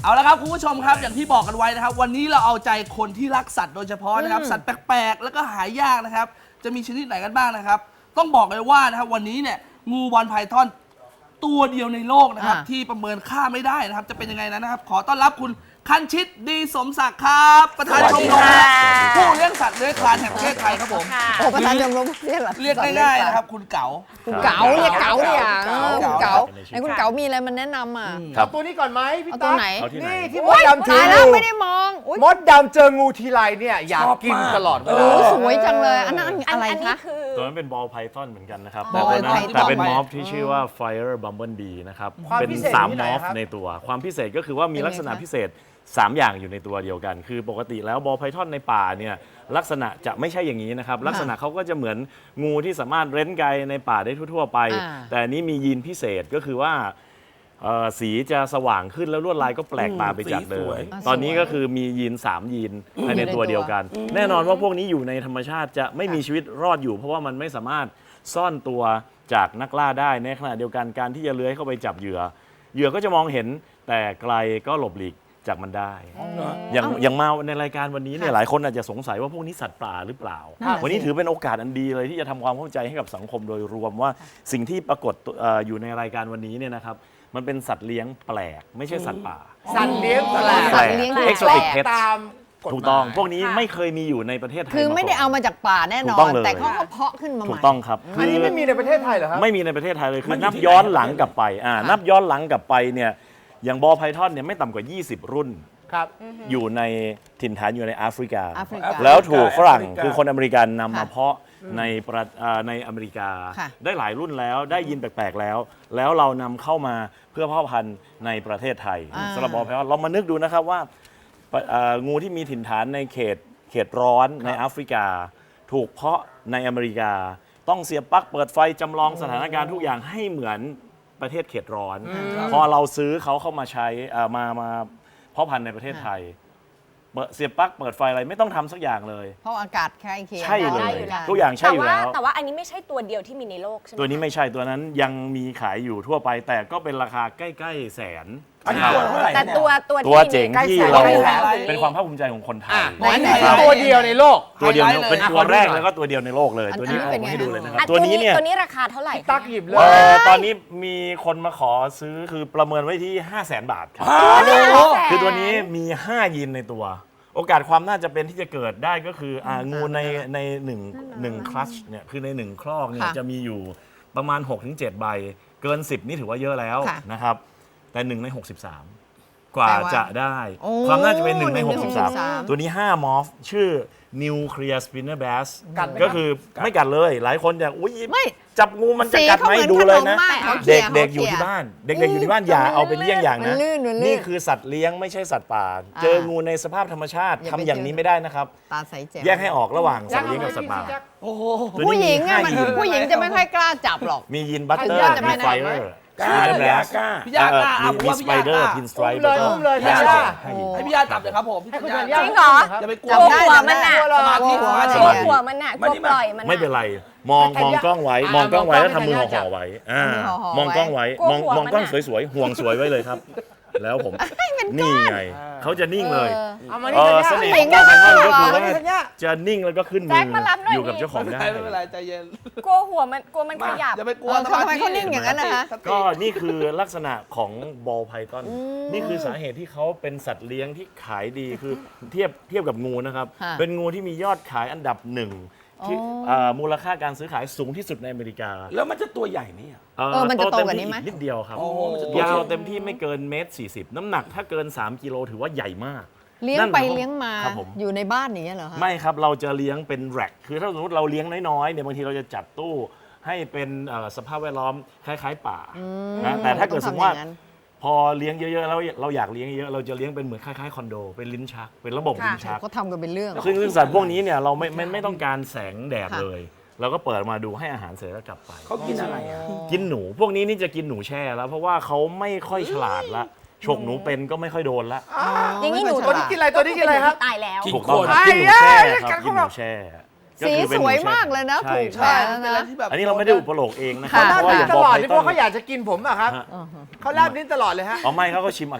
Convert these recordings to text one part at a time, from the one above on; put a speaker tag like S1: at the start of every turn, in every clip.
S1: เอาละครับคุณผู้ชมครับอย่างที่บอกกันไว้นะครับวันนี้เราเอาใจคนที่รักสัตว์โดยเฉพาะนะครับสัตว์แปลกๆแล้วก็หายากนะครับจะมีชนิดไหนกันบ้างนะครับต้องบอกเลยว่านะครับวันนี้เนี่ยงูบอลไพทอนตัวเดียวในโลกนะครับที่ประเมินค่าไม่ได้นะครับจะเป็นยังไงนะครับขอต้อนรับคุณคันชิตดีสมศักดิ์ครับประธานชมรมผู้เลี้ยงสัตว์เลื้อยคลานแห่งประเทศไทยครับผม
S2: ประธานชมรม
S1: เรียกง่ายๆนะครับคุณเก๋า
S2: คุณเก๋าเรียกเก๋าเนี่ยคุณเก๋าไอ้คุณเก๋ามีอะไรมันแนะนำอ่ะ
S3: เอาตัวนี้ก่อนไหมพี่ตั๊กนี่ที่มดดำถืออยู่
S2: ไม่ได้มอง
S3: มดดำเจองูทีไรเนี่ยอยากกินตลอดเวลา
S2: สวยจังเลยอันนั้นอะไรคะ
S4: ตัวนั้นเป็นบอลไพทอนเหมือนกันนะครับ
S2: แต่
S4: เป็นมอฟที่ชื่อว่า Fire Bumblebee นะครับเป็น3มอฟในตัวความพิเศษก็คือว่ามีลักษณะพิเศษ3อย่างอยู่ในตัวเดียวกันคือปกติแล้วบอลไพทอนในป่าเนี่ยลักษณะจะไม่ใช่อย่างนี้นะครับลักษณะเขาก็จะเหมือนงูที่สามารถเร้นไกในป่าได้ทั่วๆไปแต่อันนี้มียีนพิเศษก็คือว่าสีจะสว่างขึ้นแล้วลวดลายก็แปลกตาไปจากเดิมตอนนี้ก็คือมียีน3ยีนภายในตัวเดียวกันแน่นอนว่าพวกนี้อยู่ในธรรมชาติจะไม่มีชีวิตรอดอยู่เพราะว่ามันไม่สามารถซ่อนตัวจากนักล่าได้ในขณะเดียวกันการที่จะเลื้อยเข้าไปจับเหยื่อก็จะมองเห็นแต่ไกลก็หลบหลีกจากมันได้อย่างมาในรายการวันนี้เนี่ยหลายคนอาจจะสงสัยว่าพวกนี้สัตว์ป่าหรือเปล่าวันนี้ถือเป็นโอกาสอันดีเลยที่จะทำความเข้าใจให้กับสังคมโดยรวมว่าสิ่งที่ปรากฏอยู่ในรายการวันนี้เนี่ยนะครับมันเป็นสัตว์เลี้ยงแปลกไม่ใช่สัตว์ป่า
S3: สัตว์เลี้ยงแปลก
S4: exotic pets
S3: ตาม
S4: ถูกต้องพวกนี้ไม่เคยมีอยู่ในประเทศไทย
S2: คือไม่ได้เอามาจากป่าแน่นอนแต่เขาเพาะขึ้นมาใหม่
S4: ถูกต้องครับ
S3: อันนี้ไม่มีในประเทศไทยเหรอครับ
S4: ไม่มีในประเทศไทยเลยคือนับย้อนหลังกลับไปนับย้อนหลังกลับไปเนี่ยอย่างบอลไพทอนเนี่ยไม่ต่ำกว่า20รุ่นอยู่ในถิ่นฐานอยู่ในแอฟริกาแล้วถูกฝรั่งคือคนอเมริกันนำมาเพาะในอเมริกาได้หลายรุ่นแล้วได้ยินแปลกๆแล้วเรานำเข้ามาเพื่อเพาะพันธุ์ในประเทศไทยสำหรับบอลไพทอนเรามานึกดูนะครับว่างูที่มีถิ่นฐานในเขตร้อนในแอฟริกาถูกเพาะในอเมริกาต้องเสียบปลั๊กเปิดไฟจำลองสถานการณ์ทุกอย่างให้เหมือนประเทศเขตร้อนพอเราซื้อเขาเข้ามาใช้มาเพาะพันธุ์ในประเทศไทยเสียบปลั๊กเปิดไฟอะไรไม่ต้องทำสักอย่างเลย
S2: เพราะอากาศใกล้เคียง
S4: ใช่เลยทุกอย่างใช่อยู่แล้ว
S5: แต่ว่าอันนี้ไม่ใช่ตัวเดียวที่มีในโลกใช่ไหม
S4: ตัวนี้ไม่ใช่ตัวนั้นยังมีขายอยู่ทั่วไปแต่ก็เป็นราคาใกล้ๆแสน
S5: แต่
S4: ตัวเจ๋งที่เราเป็นความภาคภูมิใจของคนไทย
S3: ตัวเดียวในโลก
S4: ตัวเดียวเป็นตัวแรกแล้วก็ตัวเดียวในโลกเลยตัวนี้เอามาให้ดูเลยนะครับตัวนี้เนี่ย
S5: ตัวนี้ราคาเท่าไหร่
S3: ตักหยิบเลย
S4: ตอนนี้มีคนมาขอซื้อคือประเมินไว้ที่ 500,000 บาทครับคือตัวนี้มี5ยีนในตัวโอกาสความน่าจะเป็นที่จะเกิดได้ก็คืองูในหนึ่งคลัชเนี่ยคือใน1ครอกเนี่ยจะมีอยู่ประมาณ 6-7 ใบเกิน10นี่ถือว่าเยอะแล้วนะครับแต่1 ใน 63กว่าจะได้ความน่าจะเป็น1 ใน 63ตัวนี้5มอร์ฟชื่อ Nuclear Spinner Bass ก็คือไม่กัดเลยหลายคนอยากอุ้ยจับงูมันจะกัดไหมดูเลยนะเด็กอยู่ที่บ้านเด็กๆอยู่ที่บ้านอย่าเอาเป็นเยี่ยงอย่างนะนี่คือสัตว์เลี้ยงไม่ใช่สัตว์ป่าเจองูในสภาพธรรมชาติทำอย่างนี้ไม่ได้นะครับแยกให้ออกระหว่างสัตว์เลี้ยงกับสัตว์ป่า
S2: ผู้หญิงผู้หญิงจะไม่ค่อยกล้าจับหรอก
S4: มียินบัตเตอร์มีไฟเออร์
S1: พี่ยา
S4: มีสไปเดอร์พินสไตรป์
S3: เลย
S1: ให้พี่ยาจับเลยครับผม
S5: จริงเหรอ
S1: อย่าไปกลัว
S5: หัวมันน่ะ
S1: สมาธิ
S5: หัวมันน่ะกลัวปล่อยมัน
S4: ไม่เป็นไรมองกล้องไว้แล้วทำมือห่อไว้มองกล้องไว้มองกล้องสวยๆห่วงสวยไว้เลยครับแล้วผมนี่ไงเขาจะนิ่งเลยเสน่ห์ของการทำก็คือว่าจะนิ่งแล้วก็ขึ้นมืออยู่กับเจ้าของได้
S1: ไม่เป็นไรใจเย็น
S5: กลัวหัวมันขยับ
S1: อย่าไปกลัว
S2: ทำไมเขานิ่งอย่างนั้นนะคะ
S4: ก็นี่คือลักษณะของบอลไพทอนนี่คือสาเหตุที่เขาเป็นสัตว์เลี้ยงที่ขายดีคือเทียบกับงูนะครับเป็นงูที่มียอดขายอันดับ1ที่มูลค่าการซื้อขายสูงที่สุดในอเมริกา
S1: แล้วมันจะตัวใหญ่ไหม
S2: มันจะโตกว่านี้ไหม
S4: นิดเดียวครับยาวเต็มที่ไม่เกิน1.40 น้ำหนักถ้าเกิน3 กิโลถือว่าใหญ่มาก
S2: เลี้ยงไปเลี้ยงมาอยู่ในบ้านอย่างเงี้ยเหรอคะ
S4: ไม่ครับเราจะเลี้ยงเป็นแร็กคือถ้าสมมติเราเลี้ยงน้อยๆเนี่ยบางทีเราจะจัดตู้ให้เป็นสภาพแวดล้อมคล้ายๆป่านะแต่ถ้าเกิดสมมติว่าพอเลี้ยงเยอะๆแล้วเราอยากเลี้ยงเยอะเราจะเลี้ยงเป็นเหมือนคล้ายๆคอนโดเป็นลิ้นชักเป็นระบบลิ้นชัก
S2: ก็ทำกันเป็นเรื่อง
S4: ซึ่งสัตว์พวกนี้เนี่ยเราไม่ต้องการแสงแดดเลยเราก็เปิดมาดูให้อาหารเสร็จแล้วกลับไป
S1: เขากินอะไร
S4: กินหนูพวกนี้นี่จะกินหนูแช่แล้วเพราะว่าเขาไม่ค่อยฉลาดละฉกหนูเป็นก็ไม่ค่อยโดนละ
S5: อย่างนี้หนู
S3: ตัวนี้กินอะไรครับ
S5: ตายแล้ว
S4: ถูกต้องกินหนูแช่ครับกินหนูแช่
S2: สีสวยมากเลยนะผูกแขนนะ
S4: อันนี้เราไม่ได้อุปโลกเองนะครับ
S3: เพราะว่าอย่างตลอดนี่เพราะเขาอยากจะกินผมอะครับเขาแลบลิ้นตลอดเลยฮะ
S4: ไม่เขาก็ชิมอากาศ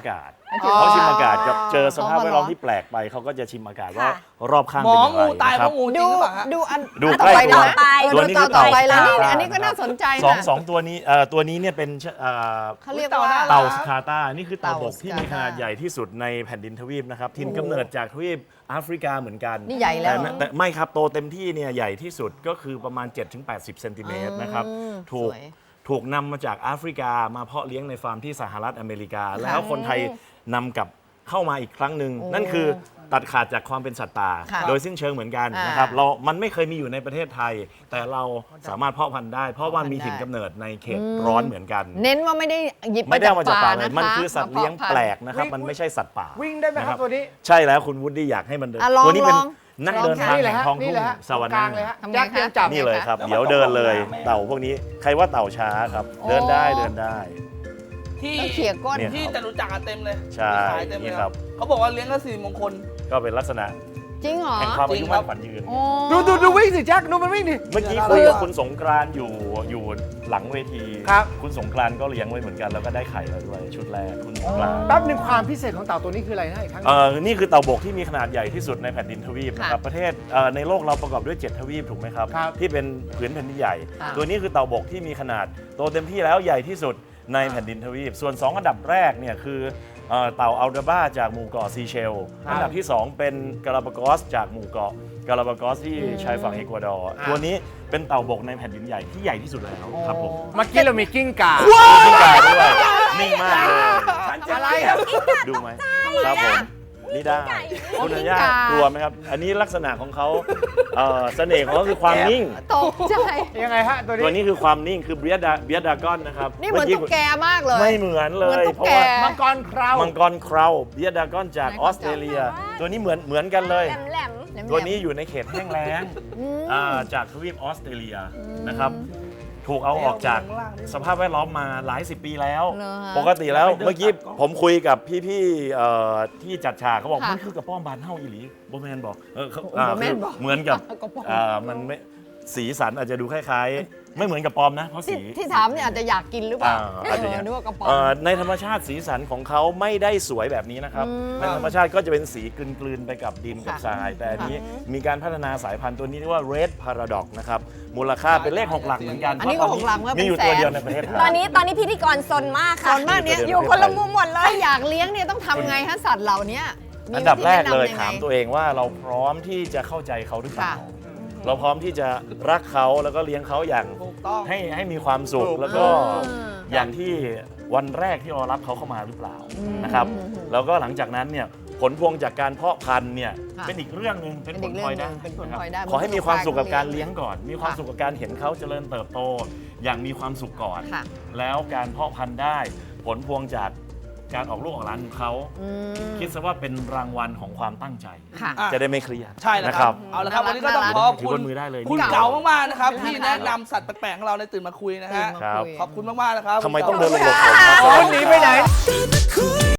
S4: เขาชิมอากาศกับเจอสภาพแวดล้อมที่แปลกไปเขาก็จะชิมอากาศว่า
S5: ค่ะ
S4: รอบข้าง
S1: หม
S4: เป็น
S1: อ
S4: อย่างไร
S1: งูตาย
S4: นะ
S1: เพ
S4: ครับ
S1: ราะงูจริงหรือเปล่าฮะ
S2: ดูอัน
S4: ดู
S2: อัน
S4: ใกล้
S2: ต่อไป
S4: ตัว
S2: นะ
S4: ตัวนี้คือ
S2: ต่อไปแล้ว
S4: เต่า
S2: นี่อันนี้ก็น่าสนใจ
S4: สอง
S2: นะ
S4: สองตัวนี้ตัวนี้เนี่ยเป็น
S2: เขาเรียกว่า
S4: เต่าสคาตานี่คือเต่าบก
S2: เต่า
S4: ที่มีขนาดใหญ่ที่สุดในแผ่นดินทวีปนะครับถิ่นกำเนิดจากทวีปแอฟริกาเหมือนกัน
S2: นี่ใหญ่แล้ว
S4: แต่ไม่ครับโตเต็มที่เนี่ยใหญ่ที่สุดก็คือประมาณ 7-80 เซนติเมตรนะครับถูก
S2: สวย
S4: ถูกนำมาจากแอฟริกามาเพาะเลี้ยงในฟาร์มที่สหรัฐอเมริกา แล้วคนไทยนำกลับเข้ามาอีกครั้งหนึ่งนั่นคือตัดขาดจากความเป็นสัตว์ป่า
S2: ค่ะ
S4: โดยสิ้นเชิงเหมือนกัน
S2: อ่าน
S4: นะครับมันไม่เคยมีอยู่ในประเทศไทย แต่เราสามารถเพาะพันธุ์ได้ เพราะว่ามีถิ่นกำเนิดในเขตร้อนเหมือนกัน
S2: เน้นว่าไม่ได้หยิบ
S4: ไม่ได้เอามาจากป่าเลย
S2: นะคะ
S4: มันคือสัตว์เลี้ยง
S2: มาพาะพันธุ์
S4: แปลกนะครับ มันไม่ใช่สัตว์ป่า
S3: วิ่งได้ไหมครับตัวนี้
S4: ใช่แล้วคุณวุฒิอยากให้มันเดิน
S2: อ่ะลอง
S4: ตัวนี้เป็น
S2: ลอง
S4: นักเดินทาง
S3: นี่แหละ
S4: แห่ง
S3: ฮะ
S4: ท้อง
S3: นี่
S4: ทุ่ง
S3: แหละฮะ
S4: สวรร
S3: กลาง
S4: ค์
S3: เลยฮะ
S2: ทำไง
S3: แจ็คเตรียมจับ
S4: นี่เลยครับ เดี๋ยวเดินเลยเต่าพวกนี้ใครว่าเต่าช้าครับ เดินได้เดินได้
S1: ที่
S2: ต้องเขี่ยก้น
S4: เนี่ย
S1: ที่จะรู้จักกันเต็มเลย
S4: ใช่
S1: มีขายเต็มเลย
S4: นี่ครับ
S1: เขาบอกว่าเลี้ยงก็สิริมงคล
S4: ก็เป็นลักษณะ
S2: จริงเหรอ
S4: แห่งความอายุมั่นขวัญยืน
S2: โอ้
S3: ดูวิ่งสิแจ็คดูมันวิ่งดิ
S4: เมื่อกี้คุยกับคุณสงกรานต์อยู่หลังเวที
S3: ครับ
S4: คุณสงกรานต์ก็เลี้ยงไว้เหมือนกันแล้วก็ได้ไข่แล้วด้วยชุดแรกคุณสงกรานต์
S3: แป๊บหนึงความพิเศษของเต่าตัวนี้คืออะไรนะอีกครั้งหนึ่ง
S4: นี่คือเต่าบกที่มีขนาดใหญ่ที่สุดในแผ่นดินทวีปนะครับประเทศในโลกเราประกอบด้วย 7 ทวีปถูกไหมครับ
S3: ครับ
S4: ที่เป็นผืนแผ่นดินใหญ่
S2: ค่ะ
S4: ตัวนี้คือเต่าบกที่มีขนาดโตเต็มที่แล้วใหญ่ที่สุดในแผ่นดินทวีป ส่วน 2 อันดับแรกเนี่ยคือเต่าอัลดาบ้าจากหมู่เกาะซีเชล
S3: ครับ
S4: อันดับที่ 2 เป็นกาลาปากอสจากหมู่เกาะกาลาปากอสที่ชายฝั่งเอกวาดอร์ตัวนี้เป็นเต่าบกในแผ่นดินใหญ่ที่ใหญ่ที่สุดแล้วครับผม
S3: เมื่อกี้เรามีกิ้งก่า
S4: กิ้งก่าด้วยนิ่งมากเลย
S3: อะไรครับ
S4: ดูไหมครับผมนี่ได้คุณธัญญากลัวไหมครับ อันนี้ลักษณะของเขาเสน่ห์ของเขาคือความนิ่ง
S2: ตกใจ
S3: ยังไงฮะตัว
S4: ตัว
S3: นี้
S4: นี้คือความนิ่งคือเบียดากอนนะครับ
S2: นี่เหมือนตุ๊กแกมากเลย
S4: ไม่เหมือนเล
S2: เหมือน
S4: ย
S2: ตุ๊ก
S4: เพราะ
S2: แก
S4: ว่า
S3: มังกรคราว
S4: มังกรคราวเบียดากอนจากออสเตรเลีย ตัวนี้เหมือนกันเลย
S5: แหลม
S4: ตัวนี้อยู่ในเขตแห้งแล้งจากทวีปออสเตรเลียนะครับ ถูกเอาออกจากสภาพแวดล้อมมาหลายสิบปีแล้ว
S2: เหรอฮะ
S4: ปกติแล้วเมื่อกี้ผมคุยกับพี่ๆที่จัดฉากเขาบอก
S2: ค่ะ
S4: มันคือกระป้อมบานเฮ้าอีหลีโบแมนบอกเขา
S2: โบแมนบอก
S4: เหมือนกับ
S2: กระป้อม
S4: มันไม่สีสันอาจจะดูคล้ายๆ ไม่เหมือนกับปอมนะเพราะ
S2: ที่
S4: สี
S2: ที่ถามเนี่ยอาจจะอยากกินหรือเปล่า
S4: อาจจะอย่าง
S2: นึกว่ากระป๋อง
S4: ในธรรมชาติสีสันของเขาไม่ได้สวยแบบนี้นะครับ ในธรรมชาติก็จะเป็นสีกลืนๆไปกับดินกับ
S2: ค่ะ
S4: ทราย แต่อันนี้มีการพัฒนาสายพันธุ์ตัวนี้เรียกว่า Red Paradox นะครับ มูลค่าเป็นเลข 6 หลักเหมือนกัน
S2: อันนี้ก็
S4: เพราะ
S2: 6 หลักก็เป็น
S4: มีอยู่
S2: แสน
S4: ตัวเดียวในประเทศไทย
S5: ๆตอนนี้พิธีกรซนมาก
S2: ต
S5: ค่ะ
S2: อนมากเนี่ย
S4: อยู่
S5: อยู่คนละมุมหมดเลย
S2: ถ้าอยากเลี้ยงเนี่ยต้องทำไงฮะสัตว์เหล่านี้มี
S4: อันดับแรกเลย
S2: วิธีแนะนำงไง
S4: ถามตัวเองว่าเราพร้อมที่จะเข้าใจเขาหรือเปล่า
S2: ค่ะ
S4: เราพร้อมที่จะรักเขาแล้วก็เลี้ยงเขาอย่าง
S1: ถูกต้อง
S4: ให้มีความสุขแล้วก็อย่างที่วันแรกที่เรารับเขาเข้ามาหรือเปล่านะครับแล้วก็หลังจากนั้นเนี่ยผลพวงจากการเพาะพันธุ์เนี่ย
S2: ค่ะ
S4: เป็นอีกเรื่องหนึ่งเป็นผลพลอยได้
S2: เป็นผล
S4: นะครับ
S2: พลอยได้
S4: ขอให้มีความสุขกับการ
S2: เลี้
S4: เลี้
S2: ย
S4: ย
S2: ง
S4: งก่อน มีความสุขกับการเห็นเขาเจริญเติบโต อย่างมีความสุขก่อน
S2: ค่ะ
S4: แล้วการเพาะพันธุ์ได้ ผลพวงจากการออกลูกออกหลานของเขาคิดซะว่าเป็นรางวัลของความตั้งใจ
S2: ค่ะ
S4: จะได้ไม่เครียด
S1: ใช่แล้ว
S4: นะ
S1: ค
S4: ค
S1: รั
S4: รั
S1: บบ เอาละครับ วันนี้ก็ต้อง
S2: น่ารัก
S1: ขอบ
S4: ถือ
S1: คุ
S4: บ
S1: ณ
S4: นมือได้เลย
S1: คุณ
S4: นี่
S1: เก๋ามากๆนะครับที่แนะนำสัตว์แปลกๆของเราในตื่นมาคุยนะฮะ
S4: ครับ
S1: ขอบคุณมากๆนะครับ
S4: ทำไมต้องเดินหลบผม
S3: คนหนีไปไหน